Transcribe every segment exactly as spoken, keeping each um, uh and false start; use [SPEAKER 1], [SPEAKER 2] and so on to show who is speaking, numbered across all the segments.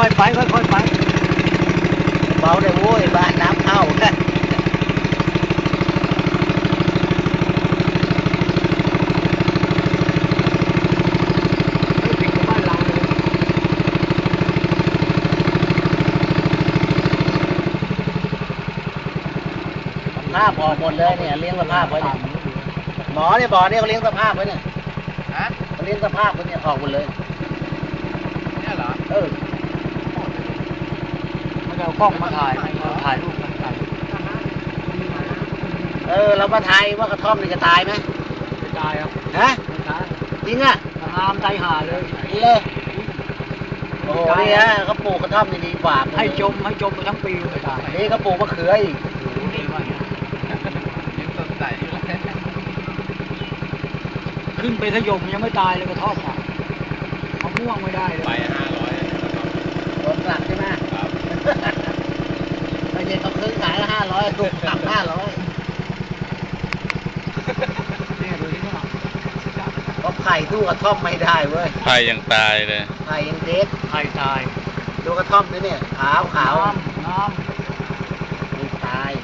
[SPEAKER 1] อยๆไปค่อยๆไปเบาเลยโว้ยบ้านน้ำเข้าภาพออกหมดเลยเนี่ยเลี้ยงสภาพไว้เนี่ยหมอเนี่ยบอกเนี่ยเขาเลี้ยงสภาพไว้เนี่ยฮะเขาเลี้ยงสภาพไว้เนี่ยออกหมดเลยเนี่ยเหรอเออมันเอากล้องมาถ่ายถ่ายรูปถ่ายเออเรามาถ่ายว่ากระท่อมนี่จะตายไหมไม่ตายครับฮะจริงอ่ะงามใจหาเลยเลยโอ้โหนี่ฮะเขาปลูกกระท่อมนี่ดีกว่าให้จมให้จมไปทั้งปีไม่ตายนี่เขาปลูกมะเขืออีกขึ้นไปทะยมยังไม่ตายเลยกระท่อมอ่ะมะม่วงไม่ได้เลยไปห้าร้อยโดนปรับใช่ไหมครับไม่ใช่เขาซื้อขายละห้าร้อยถูกปรับห้าร้อยเพราะไผ่ตู้กระท่อมไม่ได้เว้ย
[SPEAKER 2] ไผ่ยังตายเลย
[SPEAKER 1] ไผ่ยังเด็กไผ่ตายดูกระท่อมนี่เนี่ยขาวขาวน้ำไม่ตาย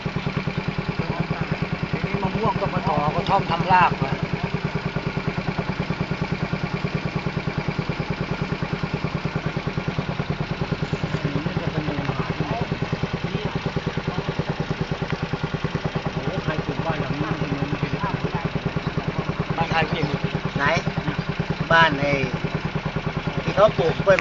[SPEAKER 1] ทีนี้มะม่วงก็มาต่อกระท่อมทำรากเลยบ้านใครพี่ไหนบ้านไอ้ที่เขาปลูกกล้วย